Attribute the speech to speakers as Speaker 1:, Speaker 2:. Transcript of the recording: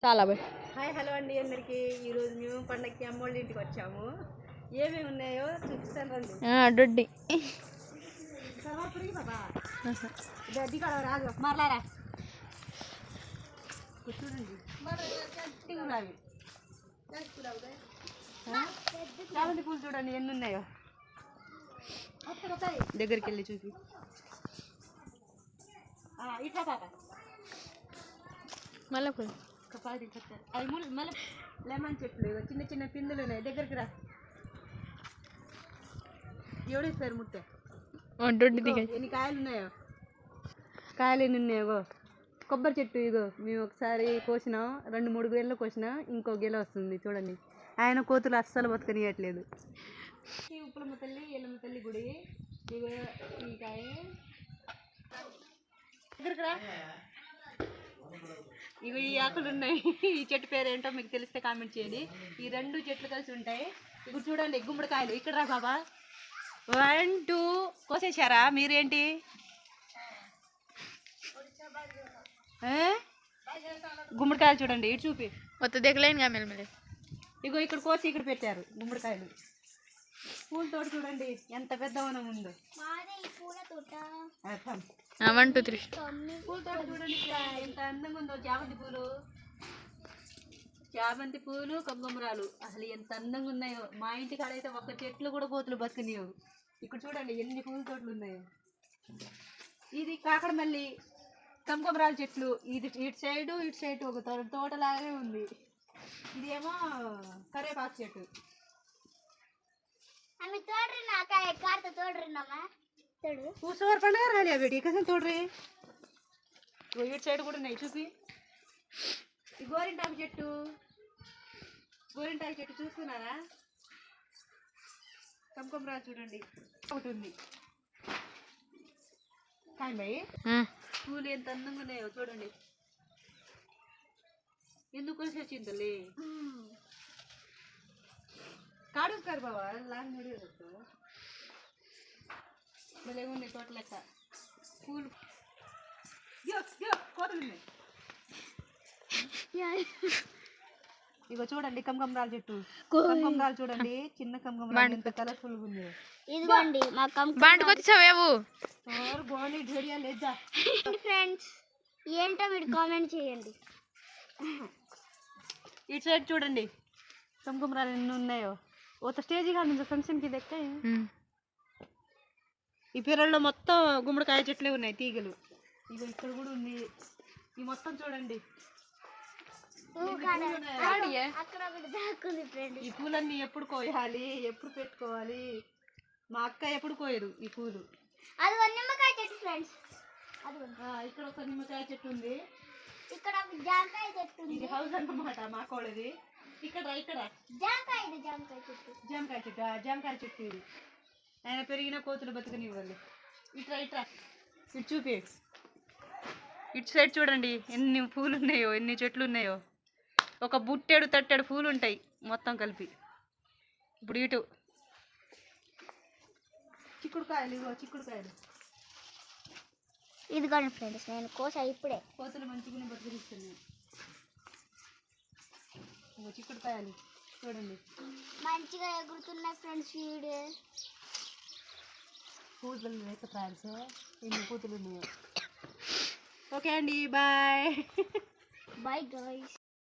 Speaker 1: చాలా bye.
Speaker 2: Hi hello అండి అందరికి. ఈరోజు మేము పండగకి అమ్మోళ్ళ ఇంటికి వచ్చాము. ఏమేమి ఉన్నాయో చూపిస్తాను రండి.
Speaker 1: డొడ్డి
Speaker 2: రాదు మరలారా చూడండి. చామంతి పూలు చూడండి ఎన్ని ఉన్నాయో. దగ్గరికి వెళ్ళి చూపి. ఇట్లా పాప
Speaker 1: మళ్ళీ పూలు
Speaker 2: అవి మళ్ళీ లెమన్ చెట్లు చిన్న చిన్న పిందులు ఉన్నాయి. దగ్గరికి రా. ఎవడేస్తారు ముట్ట.
Speaker 1: డొడ్డి దిగ
Speaker 2: ఎన్ని కాయలు ఉన్నాయో. కాయలు ఎన్ని ఉన్నాయో. కొబ్బరి చెట్టు ఇగో మేము ఒకసారి కోసినాం, 2-3 గేళ్ళు కోసినా. ఇంకో గెల వస్తుంది చూడండి. ఆయన కోతులు అస్సలు బతకనియట్లేదు. ఈ ఉప్పులమ్మ తల్లి ఎల్లమ్మ తల్లి గుడి. ఇగో ఈ కాయ దగ్గరికి రా. ఇవి ఈ ఆకులు ఉన్నాయి. ఈ చెట్టు పేరు ఏంటో మీకు తెలిస్తే కామెంట్ చేయండి. ఈ 2 చెట్లు కలిసి ఉంటాయి. ఇప్పుడు చూడండి గుమ్మడికాయలు. ఇక్కడ రా బాబా. 1 2 కోసేశారా మీరేంటి? గుమ్మడికాయలు చూడండి. ఇటు చూపి.
Speaker 1: మొత్తం దిగలేను మెల్లమెల్లి.
Speaker 2: ఇగో ఇక్కడ కోసి ఇక్కడ పెట్టారు గుమ్మడికాయలు. పూల తోట చూడండి ఎంత పెద్ద వనం ఉందో.
Speaker 1: 1 2 3
Speaker 2: పూల తోట చూడండి ఎంత అందంగా ఉందో. చామంతి పూలు కమ్మరాలు అసలు ఎంత అందంగా ఉన్నాయో. మా ఇంటి కాడైతే ఒక్క చెట్లు కూడా కోతులు బతుకునియవు. ఇక్కడ చూడండి ఎన్ని పూల తోటలు ఉన్నాయో. ఇది కాకడమల్లి కమ్మరాల చెట్లు. ఇది ఇటు సైడ్ ఒక తోటలాగే ఉంది. ఇదేమో కరేపాకు చెట్టు. పూసవారి పండుగ రాలే బేటి కసం తోడ్రి. ఇటు సైడ్ కూడా ఉన్నాయి చూపి. ఈ గోరింటాకు చెట్టు చూస్తున్నారా? కమ్మరాలు చూడండి ఒకటి ఉంది. కాయ బాయ్ పూలు ఎంత అందంగా ఉన్నాయో చూడండి. ఎందుకు కలిసి వచ్చిందలే కాడుస్తారు బాబా. లాంగ్ భలే ఉన్నాయి తోట లెక్క. పూలు కోతలు ఉన్నాయి. ఇగో చూడండి కమ్మరాల చెట్టు. కమ్మరాలు చూడండి చిన్న కమ్మరాలు ఎంత కలర్ఫుల్ గా ఉంది.
Speaker 1: ఇదిగోండి మా బాంటికి వచ్చావేవు.
Speaker 2: గోని ఢేడియా లేదా
Speaker 1: ఫ్రెండ్స్ ఏంటో మీరు కామెంట్ చేయండి.
Speaker 2: ఇటు సైడ్ చూడండి కమ్మరాలు ఎన్ని ఉన్నాయో. ఒక స్టేజ్ కాదు ఫంక్షన్కి దెక్క. ఈ పిల్లల్లో మొత్తం గుమ్మడికాయ చెట్లే ఉన్నాయి తీగలు. ఇగో ఇక్కడ కూడా ఉంది. ఈ మొత్తం చూడండి. ఈ పూలన్నీ ఎప్పుడు కోయాలి, ఎప్పుడు పెట్టుకోవాలి? మా అక్క ఎప్పుడు కోయదు ఈ పూలు.
Speaker 1: నిమ్మకాయ చెట్టు ఫ్రెండ్స్.
Speaker 2: ఇక్కడ ఒక నిమ్మకాయ చెట్టు ఉంది.
Speaker 1: ఇక్కడ జామకాయ చెట్టు.
Speaker 2: ఇది హౌస్ అన్నమాట మా కోడది. ఇక్కడ జామకాయ చెట్టు ఇది. ఆయన పెరిగిన కోతులు బతుకనివ్వాలి. ఇటు చూపి. ఇటు సైడ్ చూడండి ఎన్ని పూలు ఉన్నాయో, ఎన్ని చెట్లు ఉన్నాయో. ఒక బుట్టెడు తట్టెడు పూలు ఉంటాయి మొత్తం కలిపి. ఇప్పుడు ఇటు చిక్కుడుకాయలు.
Speaker 1: ఇదిగోండి ఫ్రెండ్స్ నేను కోసా ఇప్పుడే.
Speaker 2: కోతులు మంచిగానే బతుకుతున్నాయి. చిక్కుడుకాయలు చూడండి
Speaker 1: మంచిగా ఎగురుతున్నాయి ఫ్రెండ్స్.
Speaker 2: పూతలు లేక ఫ్రెండ్స్ ఎన్ని పూతలు ఉన్నాయో. ఓకే అండి బాయ్.
Speaker 1: Bye guys.